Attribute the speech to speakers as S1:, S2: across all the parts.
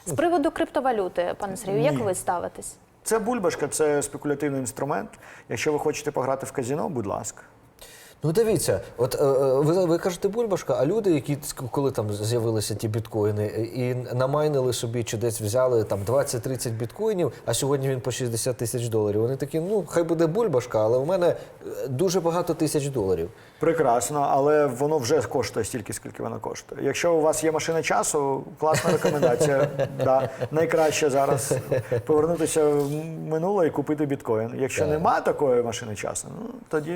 S1: З приводу криптовалюти, пане Сергію, як ви ставитесь?
S2: Це бульбашка, це спекулятивний інструмент. Якщо ви хочете пограти в казино, будь ласка.
S3: Ну дивіться, от ви кажете бульбашка, а люди, які коли там з'явилися ті біткоїни і намайнили собі чи десь взяли там 20-30 біткоїнів, а сьогодні він по 60 тисяч доларів. Вони такі, ну хай буде бульбашка, але в мене дуже багато тисяч доларів.
S2: Прекрасно, але воно вже коштує стільки, скільки воно коштує. Якщо у вас є машина часу, класна рекомендація. Да, найкраще зараз повернутися в минуле і купити біткоін. Якщо нема такої машини часу, ну тоді...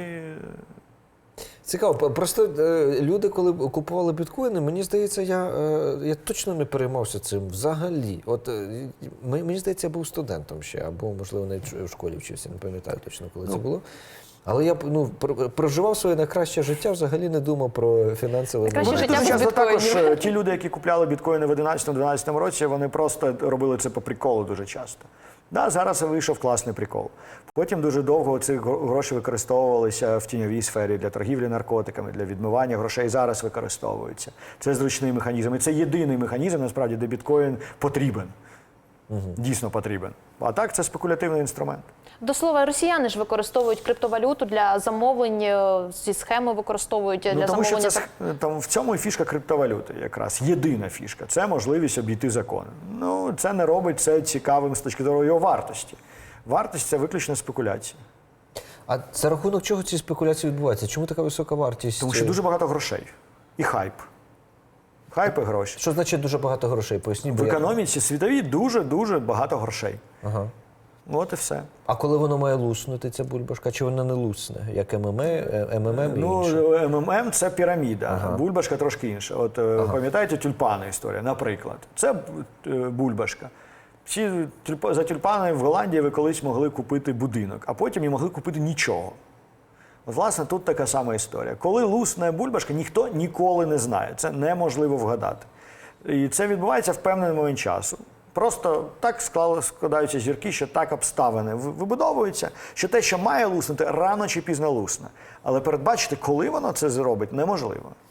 S3: Цікаво, просто люди, коли купували біткоїни, мені здається, я точно не переймався цим взагалі. От мені здається, я був студентом ще, або, можливо, навіть в школі вчився, не пам'ятаю точно, коли це було. Але я проживав своє найкраще життя, взагалі не думав про фінансове
S1: Найкраще
S2: Дуже
S1: життя без
S2: часто також
S1: біткоїнів.
S2: ті люди, які купляли біткоїни в 11-12 році, вони просто робили це по приколу дуже часто. Да, зараз вийшов класний прикол. Потім дуже довго ці гроші використовувалися в тіньовій сфері для торгівлі наркотиками, для відмивання грошей. Зараз використовуються. Це зручний механізм. І це єдиний механізм, насправді, де біткоін потрібен. Дійсно потрібен. А так, це спекулятивний інструмент.
S1: До слова, росіяни ж використовують криптовалюту для замовлень, зі схеми використовують для
S2: Тому що
S1: замовлення.
S2: там в цьому і фішка криптовалюти якраз. Єдина фішка. Це можливість обійти закони. Ну, це не робить це цікавим з точки зору його вартості. Вартість – це виключно спекуляція.
S3: А за рахунок чого ці спекуляції відбуваються? Чому така висока вартість?
S2: Тому що дуже багато грошей. І хайп. Хайп і гроші.
S3: Що значить дуже багато грошей? Поясніть.
S2: В економіці світовій дуже-дуже багато грошей.
S3: Ага.
S2: От і все.
S3: А коли воно має луснути, ця бульбашка, чи вона не лусне? Як МММ і інше?
S2: Ну, МММ – це піраміда, бульбашка трошки інша. От пам'ятаєте тюльпани історія, наприклад. Це бульбашка. Всі за тюльпани в Голландії ви колись могли купити будинок, а потім не могли купити нічого. От, власне, тут така сама історія. Коли лусне бульбашка, ніхто ніколи не знає. Це неможливо вгадати. І це відбувається в певний момент часу. Просто так складаються зірки, що так обставини вибудовуються, що те, що має луснути, рано чи пізно лусне. Але передбачити, коли воно це зробить, неможливо.